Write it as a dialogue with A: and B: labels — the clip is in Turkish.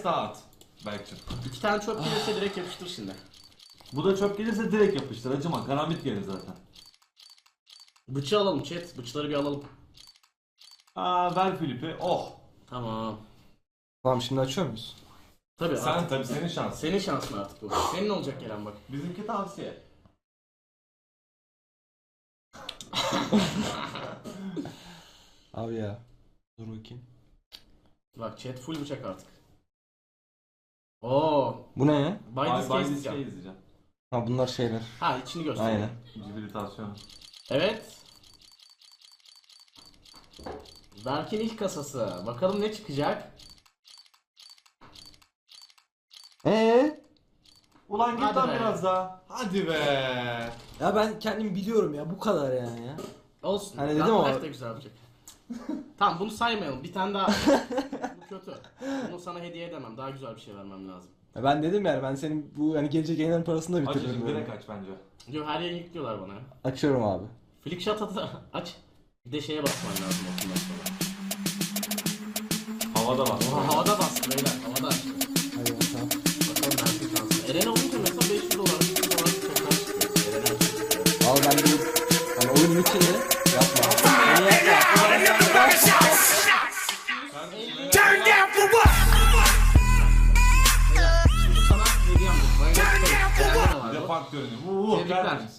A: yatağa at. Belki.
B: 2 tane çöp gelirse direkt yapıştır şimdi.
A: Bu da çöp gelirse direkt yapıştır. Acıma. Karambit gelir zaten.
B: Bıçı alalım chat. Bıçları bir alalım.
A: Ver Filip'i. Oh.
B: Tamam.
C: Tamam şimdi açıyor muyuz?
B: Tabii
A: Sen
B: artık
A: tabii senin şansın.
B: senin şansın artık bu. Senin olacak Kerem bak.
A: Bizimki tavsiye.
C: Abi ya. Dur bakayım.
B: Bak chat full bıçak artık. Oo.
C: Bu ne ya?
B: Biden's Case
A: izleyeceğim.
B: diyeceğim.
C: Ha bunlar şeyler.
B: Ha içini göster.
C: Aynen.
A: Cibilitasyon.
B: Evet. Dark'in ilk kasası. Bakalım ne çıkacak?
A: Ulan git
B: Hadi
A: lan
B: be.
A: biraz daha. Hadi be.
C: Ya ben kendim biliyorum ya bu kadar yani ya.
B: Olsun.
C: Hani dedim
B: Dark
C: ama-
B: Knight da güzel olacak. Tamam bunu saymayalım. Bir tane daha. Bu kötü. Bunu sana hediye edemem. Daha güzel bir şey vermem lazım.
C: Ya ben dedim yani ben senin bu hani gelecek yayınların parasını da
A: Aç
C: bitiririm.
A: şimdi
C: böyle.
A: direkt aç bence.
B: Diyor her yere yüklüyorlar bana.
C: Açıyorum abi.
B: Flickshot atı aç. Bir de şeye basman lazım ondan sonra.
A: Havada bak.
B: Oha havada bastı beyler. Havada açtı.
C: Hadi bakalım.
B: Bakalım Dark'in şansı. Eren'e olunca mesela 500 dolar, 300 dolar bir toplar çıkıyor. Eren'e çıkıyor.
C: Al ben de hani oyun bitince yapma. Beni yapma.
D: Turn down for what?
B: Şimdi sana hediyem yok. Bayağı
D: Turn down for what?
B: var.
A: Bir de fark görünüyor.
B: Tebrikler.
A: Geldiniz.